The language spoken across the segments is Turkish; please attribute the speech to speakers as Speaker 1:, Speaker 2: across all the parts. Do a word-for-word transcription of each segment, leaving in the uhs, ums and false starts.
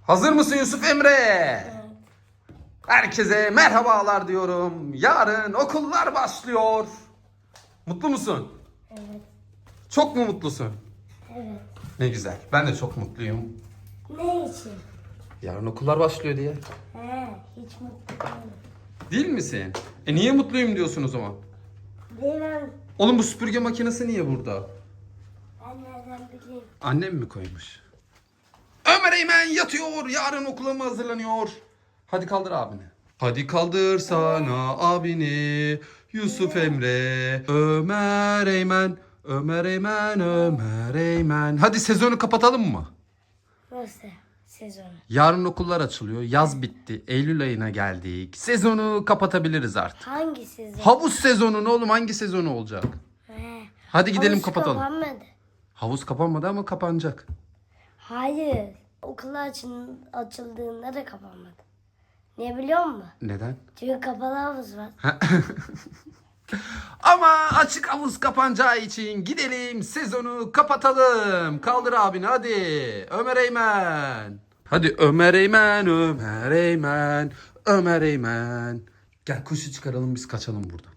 Speaker 1: Hazır mısın Yusuf Emre?
Speaker 2: Evet.
Speaker 1: Herkese merhabalar diyorum. Yarın okullar başlıyor. Mutlu musun?
Speaker 2: Evet.
Speaker 1: Çok mu mutlusun?
Speaker 2: Evet.
Speaker 1: Ne güzel. Ben de çok mutluyum.
Speaker 2: Ne için?
Speaker 1: Yarın okullar başlıyor diye.
Speaker 2: He, hiç mutlu değilim.
Speaker 1: Değil misin? E niye mutluyum diyorsun o zaman?
Speaker 2: Bilmem.
Speaker 1: Oğlum bu süpürge makinesi niye burada?
Speaker 2: Ben nereden bileyim?
Speaker 1: Annem mi koymuş? Ömer Eymen yatıyor. Yarın okula mı hazırlanıyor? Hadi kaldır abini. Hadi kaldır sana abini. Yusuf Emre. Ömer Eymen. Ömer Eymen. Ömer Eymen. Hadi sezonu kapatalım mı?
Speaker 2: Nasıl sezonu?
Speaker 1: Yarın okullar açılıyor. Yaz bitti. Eylül ayına geldik. Sezonu kapatabiliriz artık.
Speaker 2: Hangi sezon?
Speaker 1: Havuz sezonu ne oğlum? Hangi sezonu olacak?
Speaker 2: He.
Speaker 1: Hadi gidelim
Speaker 2: Havuz
Speaker 1: kapatalım.
Speaker 2: kapanmadı.
Speaker 1: Havuz kapanmadı ama kapanacak.
Speaker 2: Hayır. Okullar açın, açıldığında da kapanmadı. Niye biliyor musun?
Speaker 1: Neden?
Speaker 2: Çünkü kapalı havuz var.
Speaker 1: Ama açık havuz kapanacağı için gidelim sezonu kapatalım. Kaldır abini hadi. Ömer Eymen. Hadi Ömer Eymen, Ömer Eymen, Ömer Eymen. Gel kuşu çıkaralım biz kaçalım buradan.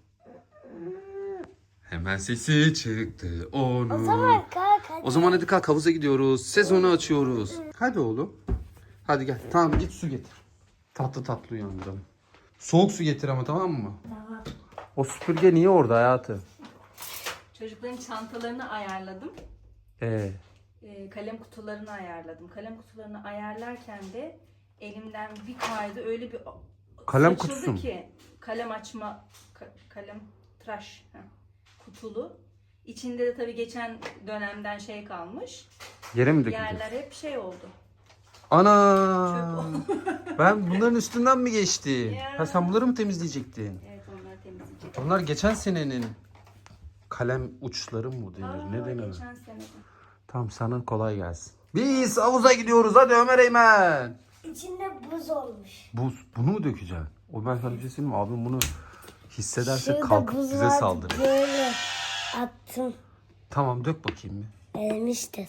Speaker 1: Hemen sesi çıktı onun.
Speaker 2: O zaman kalk hadi.
Speaker 1: O zaman hadi kalk havuza gidiyoruz. Sezonu açıyoruz. Hadi oğlum. Hadi gel. Tamam git su getir. Tatlı tatlı uyandıralım. Soğuk su getir ama tamam mı?
Speaker 2: Tamam.
Speaker 1: O süpürge niye orada hayatım?
Speaker 3: Çocukların çantalarını ayarladım.
Speaker 1: Ee,
Speaker 3: Ee, kalem kutularını ayarladım. Kalem kutularını ayarlarken de elimden bir kaydı öyle bir
Speaker 1: Kalem
Speaker 3: saçıldı
Speaker 1: kutusu mu?
Speaker 3: ki kalem açma ka- kalem tıraş heh, kutulu. İçinde de tabii geçen dönemden şey kalmış.
Speaker 1: yere mi döküldü?
Speaker 3: Yerler hep şey oldu.
Speaker 1: Ana! Ben bunların üstünden mi geçtim?
Speaker 3: Ya.
Speaker 1: Ha sen bunları mı temizleyecektin?
Speaker 3: Evet, onları temizleyecek.
Speaker 1: Onlar geçen senenin kalem uçları mı denir?
Speaker 3: Aa,
Speaker 1: Ne denir?
Speaker 3: geçen senede.
Speaker 1: Tamam sana kolay gelsin. Biz havuza gidiyoruz hadi Ömer Eymen.
Speaker 2: İçinde buz olmuş.
Speaker 1: Buz, bunu mu dökeceksin? O ben sana bir şey söyleyeyim mi? Abim bunu hissederse
Speaker 2: Şurada
Speaker 1: kalkıp
Speaker 2: buz
Speaker 1: bize
Speaker 2: vardı,
Speaker 1: saldırır.
Speaker 2: Böyle attım.
Speaker 1: Tamam dök bakayım bir.
Speaker 2: Erimiştir.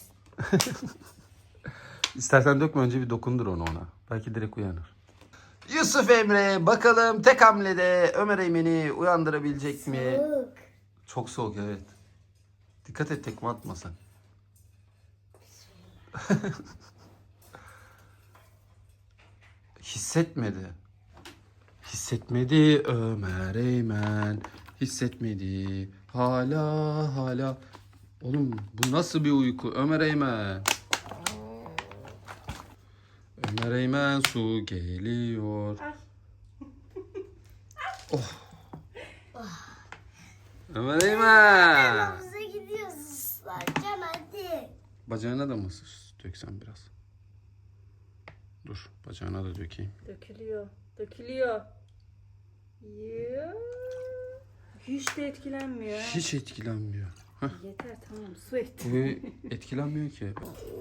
Speaker 1: İstersen dökme önce bir dokundur onu ona. Belki direkt uyanır. Yusuf Emre bakalım tek hamlede Ömer Eymen'i uyandırabilecek mi?
Speaker 2: Soğuk.
Speaker 1: Çok soğuk evet. Dikkat et tekme atma sen. Hissetmedi. Hissetmedi Ömer Eymen. Hissetmedi. Hala hala. Oğlum bu nasıl bir uyku Ömer Eymen? Ömer Eymen su geliyor. Oh. Ömer Eymen.
Speaker 2: Havuza gidiyoruz ıslancan hadi.
Speaker 1: Bacağına da mı döksem biraz? Dur bacağına da dökeyim.
Speaker 3: Dökülüyor. Dökülüyor. Ya. Hiç de etkilenmiyor. ha.
Speaker 1: Hiç etkilenmiyor. Heh,
Speaker 3: Yeter tamam su et.
Speaker 1: bu etkilenmiyor ki.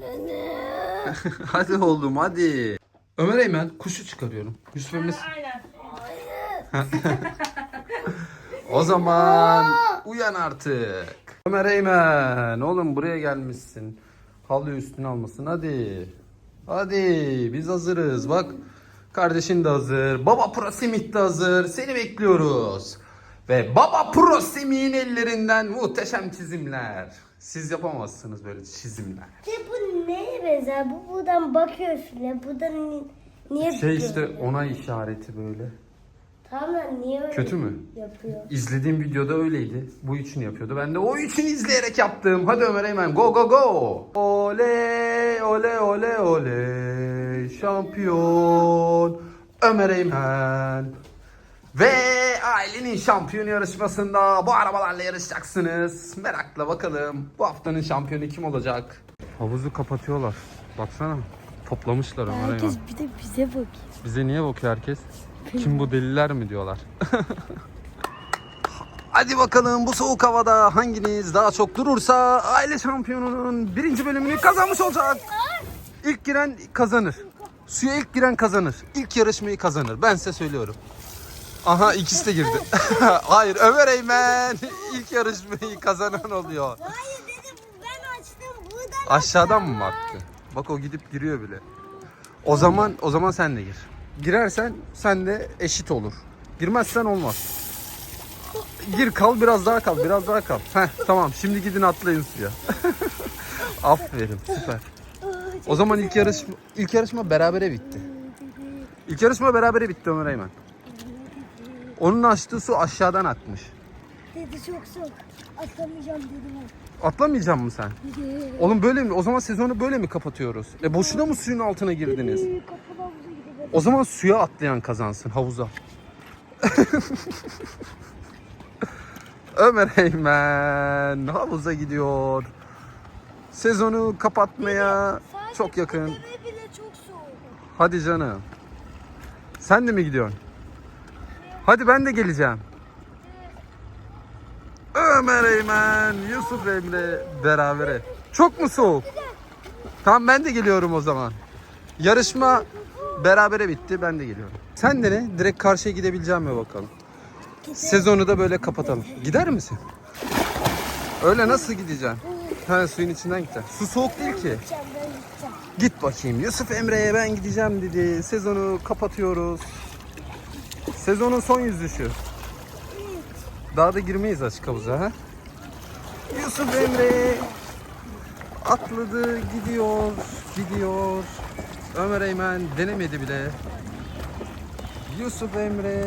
Speaker 1: Hadi oğlum hadi. Ömer Eymen kuşu çıkarıyorum. Yusuf Emre.
Speaker 3: Aynen.
Speaker 1: O zaman uyan artık. Ömer Eymen oğlum buraya gelmişsin. Halı üstüne almasın hadi. Hadi biz hazırız bak. Kardeşin de hazır. Baba Pro Semih de hazır. Seni bekliyoruz. Ve Baba Pro Semih'in ellerinden muhteşem çizimler. Siz yapamazsınız böyle çizimler.
Speaker 2: De bu neye benzer? Bu buradan bakıyor file. Buradan ni- niye
Speaker 1: Şey
Speaker 2: tutuyor
Speaker 1: işte
Speaker 2: file?
Speaker 1: onay işareti böyle.
Speaker 2: Tamam da niye öyle
Speaker 1: Kötü mü?
Speaker 2: yapıyor?
Speaker 1: İzlediğim videoda öyleydi. Bu için yapıyordu. Ben de o için izleyerek yaptım. Hadi Ömer Eymen go go go. Oley oley oley oley. Şampiyon Ömer Eymen. Ve ailenin şampiyon yarışmasında bu arabalarla yarışacaksınız. Merakla bakalım bu haftanın şampiyonu kim olacak? Havuzu kapatıyorlar. Baksana. Toplamışlar Ömer Eymen.
Speaker 2: Herkes bir de bize bakıyor.
Speaker 1: Bize niye bakıyor herkes? Kim bu deliler mi diyorlar? Hadi bakalım bu soğuk havada hanginiz daha çok durursa aile şampiyonunun birinci bölümünü kazanmış olacak. İlk giren kazanır. Suya ilk giren kazanır. İlk yarışmayı kazanır. Ben size söylüyorum. Aha ikisi de girdi. Hayır Ömer Eymen ilk yarışmayı kazanan oluyor.
Speaker 2: Hayır dedim ben açtım buradan.
Speaker 1: Aşağıdan mı baktı? Bak o gidip giriyor bile. O zaman o zaman sen de gir. Girersen sen de eşit olur. Girmezsen olmaz. Gir kal biraz daha kal biraz daha kal. Heh, tamam şimdi gidin atlayın suya. Aferin süper. O zaman ilk yarışma ilk yarışma berabere bitti. İlk yarışma berabere bitti Ömer Eymen. Onun açtığı su aşağıdan akmış.
Speaker 2: Dedi çok soğuk. Atlamayacağım dedim.
Speaker 1: Atlamayacak mısın sen?
Speaker 2: Dedi.
Speaker 1: Oğlum böyle mi? O zaman sezonu böyle mi kapatıyoruz? E boşuna mı suyun altına girdiniz?
Speaker 2: Kapalı havuza gidelim.
Speaker 1: O zaman suya atlayan kazansın havuza. Ömer Eymen havuza gidiyor. Sezonu kapatmaya çok yakın.
Speaker 2: Deve bile çok soğuk.
Speaker 1: Hadi canım. Sen de mi gidiyorsun? Hadi ben de geleceğim. Ömer Eymen, Yusuf Emre berabere. Çok mu soğuk? Tamam ben de geliyorum o zaman. Yarışma berabere bitti. Ben de geliyorum. Sen de ne? Direkt karşıya gidebileceğim mi bakalım? Sezonu da böyle kapatalım. Gider misin? Öyle nasıl gideceksin? Ha suyun içinden gideceksin. Su soğuk değil ki.
Speaker 2: Gideceğim ben gideceğim.
Speaker 1: Git bakayım. Yusuf Emre'ye ben gideceğim dedi. Sezonu kapatıyoruz. Sezonun son yüzüşü. Daha da girmeyiz açık havuza ha. Yusuf Emre atladı gidiyor gidiyor. Ömer Eymen denemedi bile. Yusuf Emre.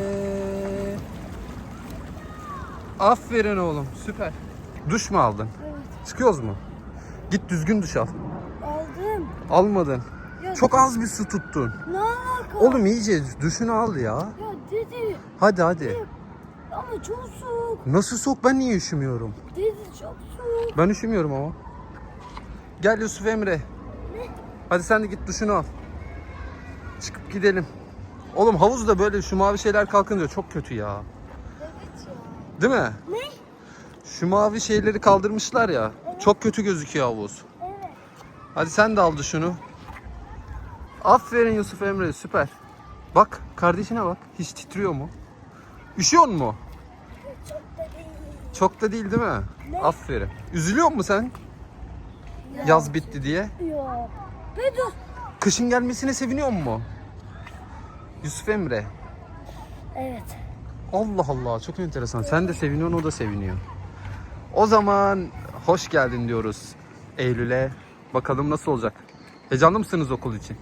Speaker 1: Aferin oğlum süper. Duş mu aldın?
Speaker 2: Evet.
Speaker 1: Çıkıyoruz mu? Git düzgün duş al.
Speaker 2: Aldım.
Speaker 1: Almadın.
Speaker 2: Ya,
Speaker 1: Çok az bir su tuttun.
Speaker 2: Ne alaka?
Speaker 1: Oğlum iyice duşunu al ya.
Speaker 2: Ya dedi.
Speaker 1: Hadi hadi.
Speaker 2: Ama çok soğuk.
Speaker 1: Nasıl soğuk, ben niye üşümüyorum?
Speaker 2: Dedi çok soğuk.
Speaker 1: Ben üşümüyorum ama. Gel Yusuf Emre. Hadi sen de git duşunu al. Çıkıp gidelim. Oğlum havuzda böyle şu mavi şeyler kalkınca çok kötü ya.
Speaker 2: Evet ya.
Speaker 1: Değil mi?
Speaker 2: Ne?
Speaker 1: Şu mavi şeyleri kaldırmışlar ya. Çok kötü gözüküyor havuz.
Speaker 2: Evet.
Speaker 1: Hadi sen de al duşunu. Aferin Yusuf Emre süper. Bak kardeşine bak. Hiç titriyor mu? Üşüyor mu?
Speaker 2: Çok da değil.
Speaker 1: Çok da değil değil mi?
Speaker 2: Ne?
Speaker 1: Aferin. Üzülüyor musun sen?
Speaker 2: Ya.
Speaker 1: Yaz bitti diye.
Speaker 2: Yok. Be dur.
Speaker 1: Kışın gelmesine seviniyor mu? Yusuf Emre.
Speaker 2: Evet.
Speaker 1: Allah Allah çok enteresan. Sen de seviniyorsun o da seviniyor. O zaman hoş geldin diyoruz Eylül'e. Bakalım nasıl olacak? Heyecanlı mısınız okul için?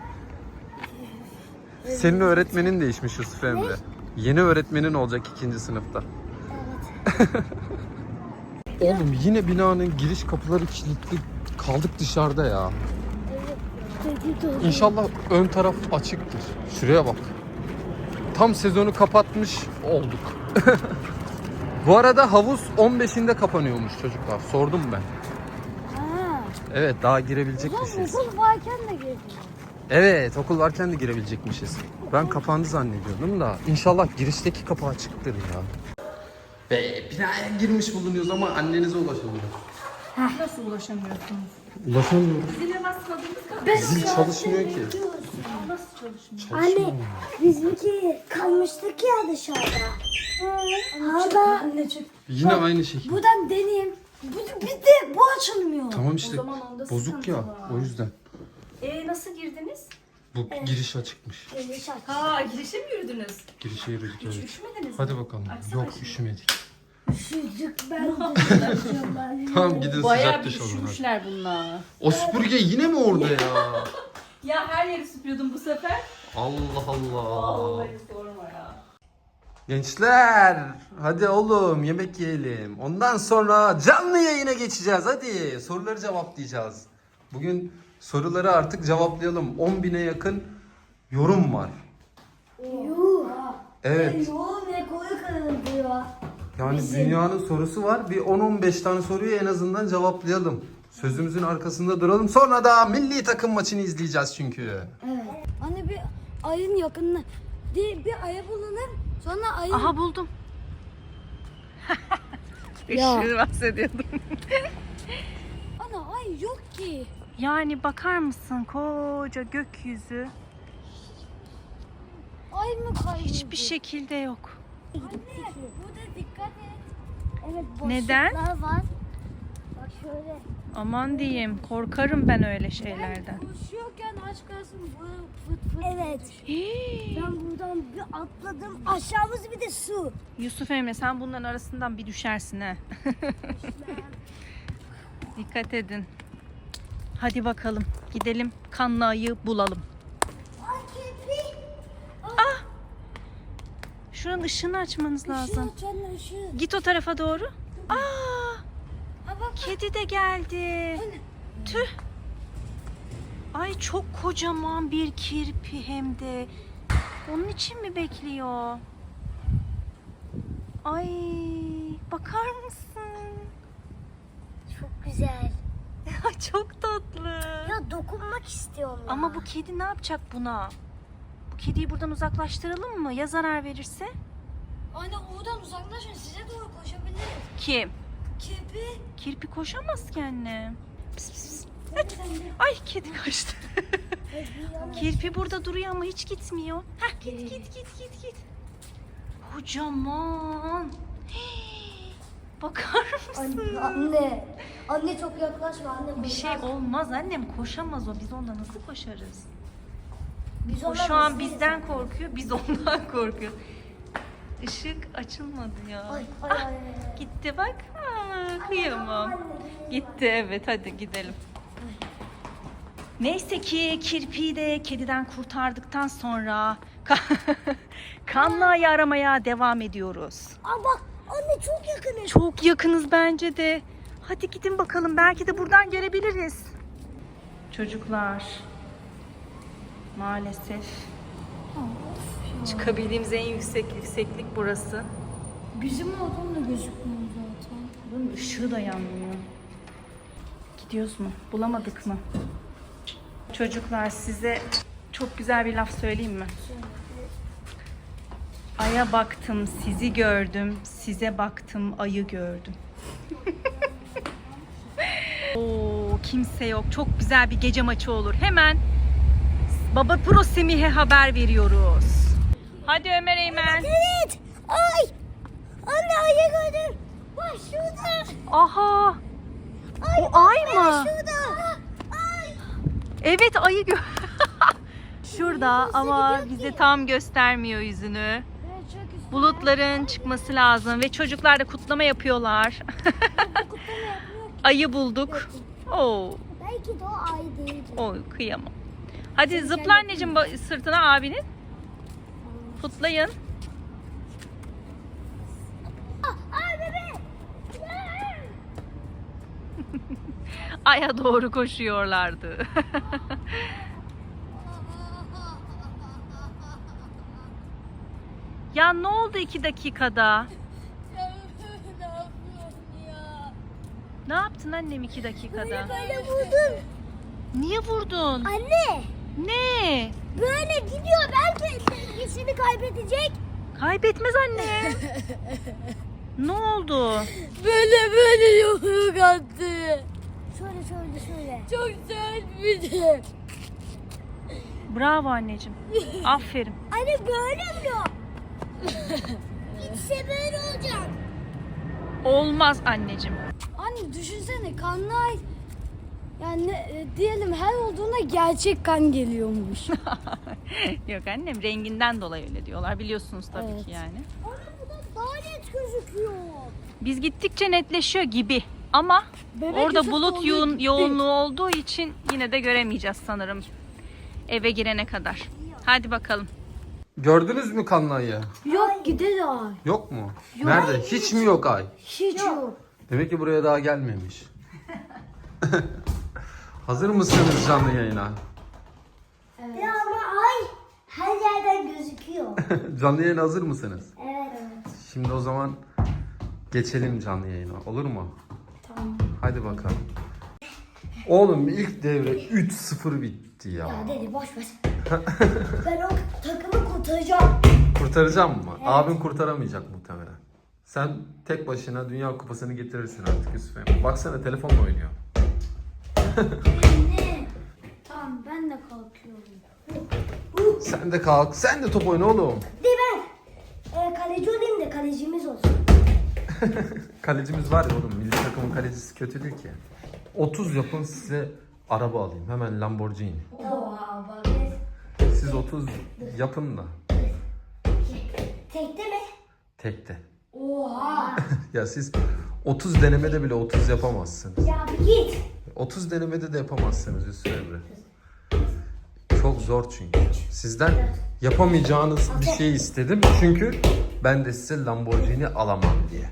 Speaker 1: Senin öğretmenin değişmiş Yusuf Emre. Yeni öğretmenin olacak ikinci sınıfta.
Speaker 2: Evet.
Speaker 1: Oğlum yine binanın giriş kapıları kilitli. Kaldık dışarıda ya.
Speaker 2: Evet. Dedi doğru.
Speaker 1: İnşallah ön taraf açıktır. Şuraya bak. Tam sezonu kapatmış olduk. Bu arada havuz on beşinde kapanıyormuş çocuklar. Sordum ben.
Speaker 2: Ha.
Speaker 1: Evet daha
Speaker 2: Ulan
Speaker 1: girebilecekmişiz.
Speaker 2: okul varken de girdim.
Speaker 1: Evet okul varken de girebilecekmişiz. Ben kapandı zannediyordum da. İnşallah girişteki kapı açıktır ya. Ve binaya girmiş bulunuyoruz ama annenize ulaşamıyoruz.
Speaker 3: Nasıl ulaşamıyorsunuz?
Speaker 1: Ulaşamıyoruz.
Speaker 3: Zile basmadığımız kadar.
Speaker 1: Zil çalışmıyor ki.
Speaker 3: Nasıl çalışmıyor?
Speaker 2: Anne bizimki kalmıştık ya dışarıda. Hala anne çık.
Speaker 1: Yine aynı şekilde.
Speaker 2: Buradan deneyeyim. Bu, bir de bu açılmıyor.
Speaker 1: Tamam işte
Speaker 3: O zaman onda
Speaker 1: bozuk
Speaker 3: sıkıntı
Speaker 1: ya
Speaker 3: var.
Speaker 1: o yüzden.
Speaker 3: Ee nasıl girdiniz?
Speaker 1: Bu giriş açıkmış.
Speaker 2: Geniş aç.
Speaker 3: Ha girişe mi yürüdünüz?
Speaker 1: Girişe yürüdük
Speaker 3: Hiç
Speaker 1: evet.
Speaker 3: üşümediniz mi?
Speaker 1: Hadi bakalım.
Speaker 3: Açsana
Speaker 1: Yok
Speaker 3: şimdi.
Speaker 1: üşümedik.
Speaker 2: Üşüdük ben de.
Speaker 1: Tamam gidin
Speaker 3: Bayağı
Speaker 1: sıcak
Speaker 3: bir
Speaker 1: duş alın. hadi.
Speaker 3: üşümüşler bunlar.
Speaker 1: O süpürge yine mi orada ya?
Speaker 3: Ya her yeri süpürüyordum bu sefer.
Speaker 1: Allah Allah.
Speaker 3: Vallahi sorma ya.
Speaker 1: Gençler hadi oğlum yemek yiyelim. Ondan sonra canlı yayına geçeceğiz hadi. Soruları cevaplayacağız. Bugün soruları artık cevaplayalım. on bine yakın yorum var.
Speaker 2: Yuh.
Speaker 1: Evet.
Speaker 2: Yuh ne koyu kırılıyor.
Speaker 1: Yani dünyanın sorusu var. Bir on on beş tane soruyu en azından cevaplayalım. Sözümüzün arkasında duralım. Sonra da milli takım maçını izleyeceğiz çünkü.
Speaker 2: Evet. Anne bir ayın yakınına bir, bir aya bulunur. Sonra ayın...
Speaker 3: Aha buldum.
Speaker 2: Ya.
Speaker 3: Işığı bahsediyordum.
Speaker 2: Ana ay yok ki.
Speaker 3: Yani bakar mısın koca gökyüzü.
Speaker 2: Ay mı kayboldu?
Speaker 3: Hiçbir şekilde yok.
Speaker 2: Anne burada dikkat et. Evet boşluklar
Speaker 3: Neden?
Speaker 2: var. Bak şöyle.
Speaker 3: Aman diyeyim, korkarım ben öyle şeylerden.
Speaker 2: Koşuyorken aç kalsın fıt fıt. Evet.
Speaker 3: Hii.
Speaker 2: Ben buradan bir atladım. Aşağımız bir de su.
Speaker 3: Yusuf Emre, sen bunların arasından bir düşersin ha. Dikkat edin. Hadi bakalım, gidelim kanlı ayı bulalım.
Speaker 2: Ay kirpi.
Speaker 3: Ah! Şuranın ışığını açmanız lazım.
Speaker 2: Işığı canım ışığı.
Speaker 3: Git o tarafa doğru. Aa!
Speaker 2: Ha bak.
Speaker 3: Kedi de geldi. Tüh. Ay çok kocaman bir kirpi hem de. Onun için mi bekliyor? Ay bakar mısın?
Speaker 2: Çok güzel.
Speaker 3: Çok tatlı.
Speaker 2: Ya dokunmak istiyorum ya.
Speaker 3: Ama bu kedi ne yapacak buna? Bu kediyi buradan uzaklaştıralım mı? Ya zarar verirse?
Speaker 2: Anne oradan uzaklaşın, size doğru koşabiliriz.
Speaker 3: Kim?
Speaker 2: Kirpi.
Speaker 3: Kirpi koşamaz ki anne. Pis pis. Ay kedi kaçtı. Kirpi burada duruyor ama hiç gitmiyor. Heh, git git git git git. Kocaman. Hii, bakar mısın?
Speaker 2: Anne, anne. Anne çok yaklaşma anne.
Speaker 3: Bir şey olmaz annem, koşamaz o. Biz ondan nasıl koşarız?
Speaker 2: Biz
Speaker 3: O
Speaker 2: ona
Speaker 3: şu an
Speaker 2: nasıl
Speaker 3: bizden korkuyor, biz ondan korkuyoruz. Işık açılmadı ya.
Speaker 2: Ay, ay,
Speaker 3: Ah,
Speaker 2: ay, ay.
Speaker 3: gitti bak. Aa, kıyamam. Gitti evet, hadi gidelim. Neyse ki kirpiyi de kediden kurtardıktan sonra kanlı ayı aramaya devam ediyoruz.
Speaker 2: Aa bak anne çok yakınız.
Speaker 3: Çok yakınız bence de. Hadi gidin bakalım, belki de buradan görebiliriz. Çocuklar, maalesef çıkabildiğimiz en yüksek yükseklik burası.
Speaker 2: Bizim oradan da gözükmüyor zaten.
Speaker 3: Bunun ışığı da yanmıyor. Gidiyoruz mu? Bulamadık mı? Çocuklar, size çok güzel bir laf söyleyeyim mi? Aya baktım, sizi gördüm. Size baktım, ayı gördüm. Oo, kimse yok. Çok güzel bir gece maçı olur. Hemen Baba Pro Semih'e haber veriyoruz. Hadi Ömer Eymen.
Speaker 2: Evet. Ay. Anne ayı gördüm. Bak şurada.
Speaker 3: Aha.
Speaker 2: Ay,
Speaker 3: O ay mı?
Speaker 2: Şurada. Ay.
Speaker 3: Evet, ayı gö şurada ama bize tam göstermiyor yüzünü. Bulutların çıkması lazım ve çocuklar da kutlama yapıyorlar. Ayı bulduk. Oo,
Speaker 2: Belki de o ay değil.
Speaker 3: oy kıyamam. Hadi zıpla anneciğim ba- sırtına abinin. Kutlayın.
Speaker 2: Ay bebe.
Speaker 3: Aya doğru koşuyorlardı. Ya ne oldu iki dakikada? Ne yaptın annem iki dakikada?
Speaker 2: Böyle vurdun.
Speaker 3: Niye vurdun?
Speaker 2: Anne.
Speaker 3: Ne?
Speaker 2: Böyle gidiyor. Belki dengesini kaybedecek.
Speaker 3: Kaybetmez anne. Ne oldu?
Speaker 2: Böyle böyle yumruk attı. Şöyle şöyle şöyle. Çok sert bir de.
Speaker 3: Bravo anneciğim. Aferin.
Speaker 2: Anne böyle mi? Gitse böyle olacak.
Speaker 3: Olmaz anneciğim.
Speaker 2: Anne düşünsene kanlar yani e, diyelim her olduğunda gerçek kan geliyormuş.
Speaker 3: Yok annem, renginden dolayı öyle diyorlar. Biliyorsunuz tabii
Speaker 2: Evet.
Speaker 3: ki yani.
Speaker 2: Anne bu da daha net gözüküyor.
Speaker 3: Biz gittikçe netleşiyor gibi. Ama
Speaker 2: Bebek
Speaker 3: orada
Speaker 2: Yusuf
Speaker 3: bulut
Speaker 2: olduğu
Speaker 3: yoğun,
Speaker 2: gitti.
Speaker 3: yoğunluğu olduğu için yine de göremeyeceğiz sanırım. Eve girene kadar. Hadi bakalım.
Speaker 1: Gördünüz mü kanlı ayı?
Speaker 2: Yok gider ay.
Speaker 1: Yok mu? Nerede? Hiç mi yok ay?
Speaker 2: Hiç yok.
Speaker 1: Demek ki buraya daha gelmemiş. Hazır mısınız canlı yayına?
Speaker 2: Evet. Ya ama ay her yerden gözüküyor.
Speaker 1: Canlı yayına hazır mısınız?
Speaker 2: Evet evet.
Speaker 1: Şimdi o zaman geçelim canlı yayına. Olur mu?
Speaker 2: Tamam.
Speaker 1: Hadi bakalım. Oğlum ilk devre üç sıfır bitti ya.
Speaker 2: Ya dedi boş ver. Ben o takımı kurtaracağım.
Speaker 1: Kurtaracağım mı? Abin kurtaramayacak muhtemelen. Sen tek başına Dünya Kupası'nı getirirsin artık Yusuf Emre. Baksana telefonla oynuyor.
Speaker 2: Anne. Tamam ben de kalkıyorum.
Speaker 1: Sen de kalk. Sen de top oyna oğlum.
Speaker 2: De ben e, kaleci olayım da kalecimiz olsun.
Speaker 1: Kalecimiz var ya oğlum. Milli takım takımın kalecisi kötü değil ki. otuz yapın size araba alayım. Hemen Lamborghini.
Speaker 2: Oha bak.
Speaker 1: Siz otuz yapın da.
Speaker 2: Tekte mi?
Speaker 1: Tekte.
Speaker 2: Oha.
Speaker 1: Ya siz otuz denemede bile otuz yapamazsınız.
Speaker 2: Ya bir git.
Speaker 1: otuz denemede de yapamazsınız Yusuf Emre. Çok zor çünkü. Sizden yapamayacağınız bir şey istedim. Çünkü ben de size Lamborghini alamam diye.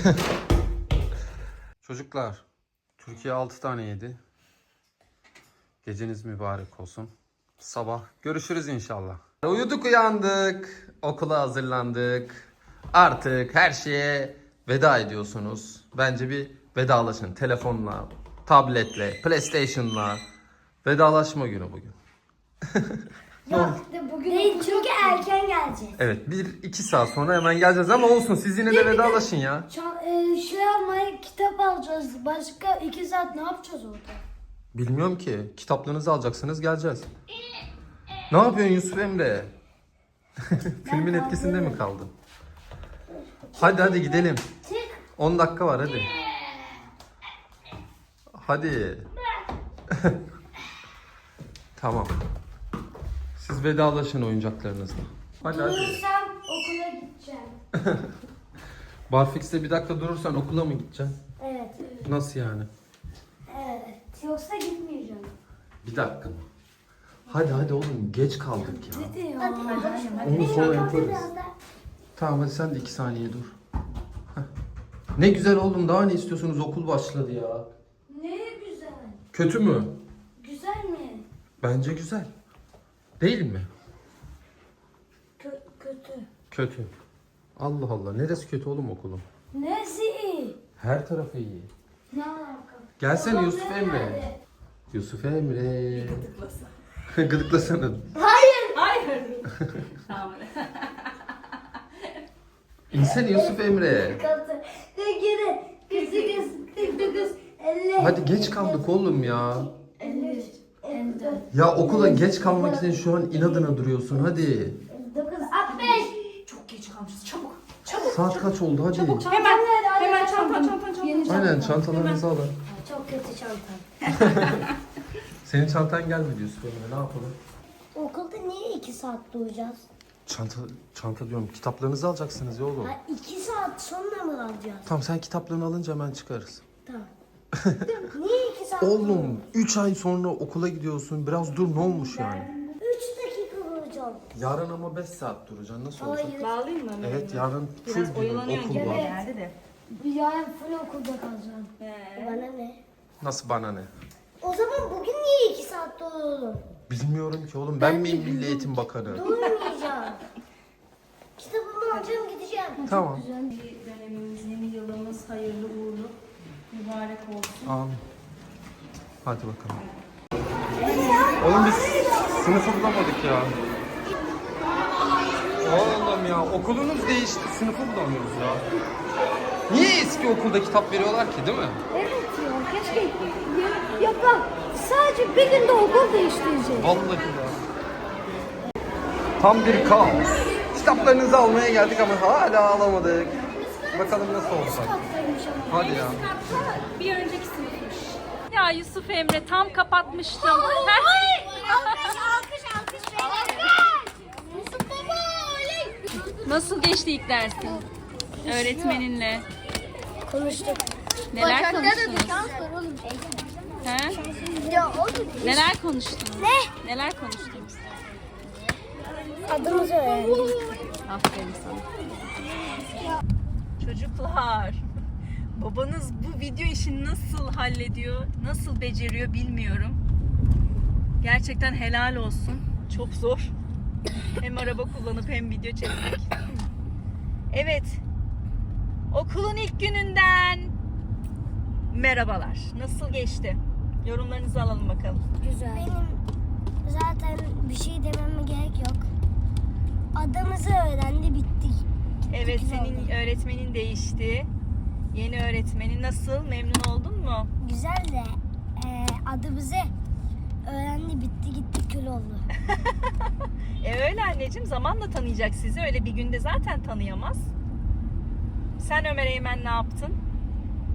Speaker 1: Çocuklar, Türkiye altı tane yedi. Geceniz mübarek olsun. Sabah görüşürüz inşallah. Uyuduk uyandık. Okula hazırlandık. Artık her şeye veda ediyorsunuz. Bence bir vedalaşın. Telefonla, tabletle, PlayStation'la. Vedalaşma günü bugün.
Speaker 2: Ya bugün değil çünkü erken geleceğiz.
Speaker 1: Evet, bir iki saat sonra hemen geleceğiz ama olsun, siz yine de vedalaşın ya.
Speaker 2: Ça- e, şey almaya kitap alacağız. Başka iki saat ne yapacağız orada?
Speaker 1: Bilmiyorum ki. Kitaplarınızı alacaksınız, geleceğiz. Ne yapıyorsun Yusuf Emre? Filmin etkisinde mi kaldın? Hadi hadi gidelim. on dakika var hadi. Hadi. Tamam. Siz vedalaşın oyuncaklarınızla. Hadi hadi.
Speaker 2: Durursam okula gideceğim.
Speaker 1: Barfix'te bir dakika durursan okula mı gideceksin?
Speaker 2: Evet.
Speaker 1: Nasıl yani?
Speaker 2: Evet. Yoksa gitmeyeceğim.
Speaker 1: Bir dakika mı? Hadi hadi oğlum, geç kaldık ya.
Speaker 2: Hadi.
Speaker 1: Onu sonra yaparız. Tamam hadi sen de iki saniye dur. Heh. Ne güzel oğlum, daha ne istiyorsunuz, okul başladı ya.
Speaker 2: Ne güzel.
Speaker 1: Kötü mü?
Speaker 2: Güzel mi?
Speaker 1: Bence güzel. Değil mi?
Speaker 2: Kö- kötü.
Speaker 1: Kötü. Allah Allah, neresi kötü oğlum okulun?
Speaker 2: Nesi iyi?
Speaker 1: Her tarafı iyi.
Speaker 2: Ne alaka?
Speaker 1: Gelsene
Speaker 2: Babam
Speaker 1: Yusuf
Speaker 2: nerede?
Speaker 1: Emre. Yusuf Emre. Gıdıklasana.
Speaker 2: Hayır.
Speaker 3: Hayır. Tamam.
Speaker 1: İnsene Yusuf Emre.
Speaker 2: Kaldı. Geri. Kız kız. Kız kız. elli.
Speaker 1: Hadi geç kaldık oğlum ya.
Speaker 2: elli üç. elli dört.
Speaker 1: Ya okula geç kalmak için şu an inadına duruyorsun, hadi.
Speaker 2: elli dokuz. altmış.
Speaker 3: Çok geç kalmışız. Çabuk. Çabuk.
Speaker 1: Saat kaç oldu hadi.
Speaker 3: Hemen. Hemen çanta çanta çanta.
Speaker 2: Yeni
Speaker 1: Aynen, çantalarınızı alın.
Speaker 2: Çok kötü çantam.
Speaker 1: Senin çantan gelmedi Yusuf Emre, ne yapalım?
Speaker 2: Okulda niye iki saat duracağız?
Speaker 1: Çanta, çanta diyorum, kitaplarınızı alacaksınız ya oğlum.
Speaker 2: Ha, iki saat sonra mı alacağız?
Speaker 1: Tamam, sen kitaplarını alınca hemen çıkarız.
Speaker 2: Tamam. Niye iki saat?
Speaker 1: Oğlum üç ay sonra okula gidiyorsun, biraz dur, ne olmuş yani?
Speaker 2: üç dakika duracağım.
Speaker 1: Yarın ama beş saat duracaksın, nasıl olacak?
Speaker 2: Hayır.
Speaker 3: Bağlayayım mı?
Speaker 1: Evet, yarın full
Speaker 3: Biraz
Speaker 1: gün
Speaker 3: oyalanıyorsun
Speaker 1: okul
Speaker 3: gibi
Speaker 1: var.
Speaker 3: geldi de.
Speaker 2: Yarın full okulda kalacağım.
Speaker 3: He.
Speaker 2: Bana ne?
Speaker 1: Nasıl bana ne?
Speaker 2: O zaman bugün niye iki saat duralım?
Speaker 1: Bilmiyorum ki oğlum, ben miyim Milli Eğitim Bakanı?
Speaker 2: Durmayacağım. Kitabımı alacağım gideceğim.
Speaker 1: Tamam.
Speaker 3: Yeni dönemimiz, yeni yılımız hayırlı uğurlu, mübarek olsun.
Speaker 1: Amin. Hadi bakalım. Oğlum biz sınıfı bulamadık ya. Oğlum ya, okulunuz değişti, sınıfı bulamıyoruz ya. Niye eski okulda kitap veriyorlar ki, değil mi?
Speaker 2: Evet ya keşke ya, ya bak sadece bir günde okul değiştirecek.
Speaker 1: Vallahi ya. Tam bir kaos. Kitaplarınızı almaya geldik ama hala alamadık. Bakalım nasıl olacak. Hadi ya.
Speaker 3: Bir önceki sınıfmış. Ya Yusuf Emre tam kapatmıştım.
Speaker 2: Alkış alkış alkış Yusuf baba oley.
Speaker 3: Nasıl geçti ilk dersin? Öğretmeninle.
Speaker 2: Konuştuk.
Speaker 3: Neler konuştunuz?
Speaker 2: oğlum.
Speaker 3: He?
Speaker 2: Ya oğlum.
Speaker 3: Neler konuştunuz?
Speaker 2: Ne?
Speaker 3: Neler konuştunuz?
Speaker 2: Adımızı öğrendik.
Speaker 3: Aferin sana. Çocuklar, babanız bu video işini nasıl hallediyor, nasıl beceriyor bilmiyorum. Gerçekten helal olsun. Çok zor. Hem araba kullanıp hem video çekmek. Evet. Okulun ilk gününden merhabalar. Nasıl geçti? Yorumlarınızı alalım bakalım.
Speaker 2: Güzel. Benim zaten bir şey dememe gerek yok. Adımızı öğrendi bittik.
Speaker 3: Evet, senin öğretmenin değişti. Yeni öğretmenin nasıl? Memnun oldun mu?
Speaker 2: Güzel de e, adımızı öğrendi bitti gitti kül oldu.
Speaker 3: E öyle anneciğim, zamanla tanıyacak sizi. Öyle bir günde zaten tanıyamaz. Sen Ömer Eymen ne yaptın?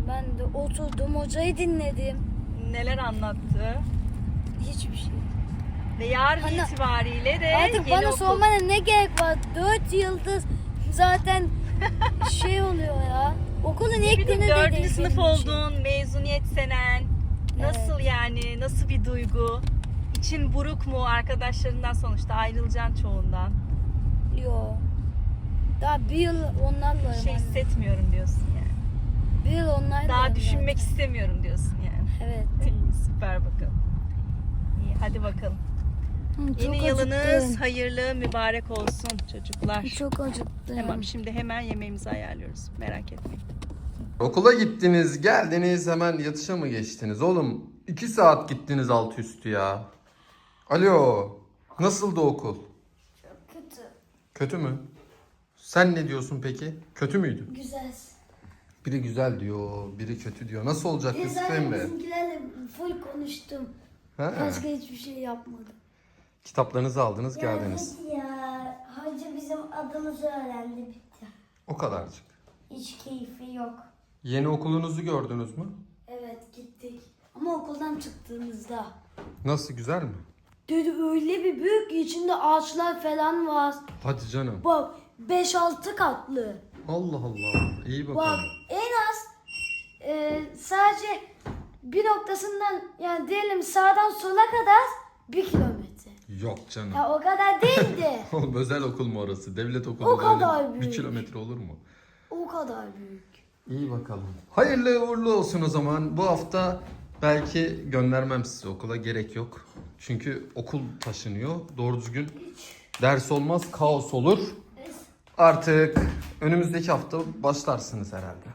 Speaker 2: Ben de oturdum, hocayı dinledim.
Speaker 3: Neler anlattı?
Speaker 2: Hiçbir şey.
Speaker 3: Ve yarın
Speaker 2: Hani-
Speaker 3: itibariyle de
Speaker 2: Artık
Speaker 3: yeni
Speaker 2: bana
Speaker 3: okul.
Speaker 2: sormana ne gerek var? Dört yıldız zaten şey oluyor ya. Okulun ilk
Speaker 3: Bir de
Speaker 2: günü de
Speaker 3: dördüncü
Speaker 2: değil
Speaker 3: sınıf
Speaker 2: benim için.
Speaker 3: oldun, mezuniyet senen. Nasıl yani, nasıl bir duygu? İçin buruk mu arkadaşlarından, sonuçta ayrılacaksın çoğundan?
Speaker 2: Yo. Daha bir yıl onlarla
Speaker 3: Bir şey hissetmiyorum diyorsun yani.
Speaker 2: Bir yıl onlarla
Speaker 3: Daha düşünmek istemiyorum diyorsun yani.
Speaker 2: Evet.
Speaker 3: İyi, süper bakalım. İyi, hadi bakalım.
Speaker 2: Hı, çok
Speaker 3: Yeni yılınız
Speaker 2: acıktım.
Speaker 3: hayırlı, mübarek olsun çocuklar.
Speaker 2: Çok acıktım.
Speaker 3: Tamam, şimdi hemen yemeğimizi ayarlıyoruz. Merak etmeyin.
Speaker 1: Okula gittiniz, geldiniz, hemen yatışa mı geçtiniz? Oğlum iki saat gittiniz altı üstü ya. Alo, nasıldı okul?
Speaker 2: Kötü.
Speaker 1: Kötü mü? Sen ne diyorsun peki? Kötü müydü?
Speaker 2: Güzel.
Speaker 1: Biri güzel diyor, biri kötü diyor. Nasıl olacak Yusuf
Speaker 2: Güzel,
Speaker 1: Emre?
Speaker 2: bizimkilerle full konuştum.
Speaker 1: Ha?
Speaker 2: Başka hiçbir şey yapmadım.
Speaker 1: Kitaplarınızı aldınız, geldiniz.
Speaker 4: Ya, ya hoca bizim adımızı öğrendi bitti.
Speaker 1: O kadarcık.
Speaker 4: Hiç keyfi yok.
Speaker 1: Yeni okulunuzu gördünüz mü?
Speaker 2: Evet gittik. Ama okuldan çıktığımızda.
Speaker 1: Nasıl, güzel mi?
Speaker 2: Dedi öyle bir büyük ki içinde ağaçlar falan var.
Speaker 1: Hadi canım.
Speaker 2: Bak beş altı katlı.
Speaker 1: Allah Allah. İyi
Speaker 2: Bak
Speaker 1: bakalım.
Speaker 2: en az e, sadece bir noktasından yani diyelim sağdan sola kadar bir kilometre.
Speaker 1: Yok canım.
Speaker 2: Ya o kadar değildi.
Speaker 1: Oğlum özel okul mu orası? Devlet okulu.
Speaker 2: O kadar
Speaker 1: öyle bir
Speaker 2: büyük.
Speaker 1: kilometre olur mu?
Speaker 2: O kadar büyük.
Speaker 1: İyi bakalım. Hayırlı uğurlu olsun o zaman. Bu hafta belki göndermem sizi okula, gerek yok. Çünkü okul taşınıyor. Doğru düzgün ders olmaz, kaos olur. Artık önümüzdeki hafta başlarsınız herhalde.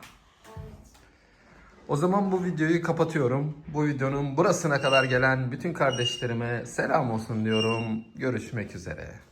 Speaker 1: O zaman bu videoyu kapatıyorum. Bu videonun burasına kadar gelen bütün kardeşlerime selam olsun diyorum. Görüşmek üzere.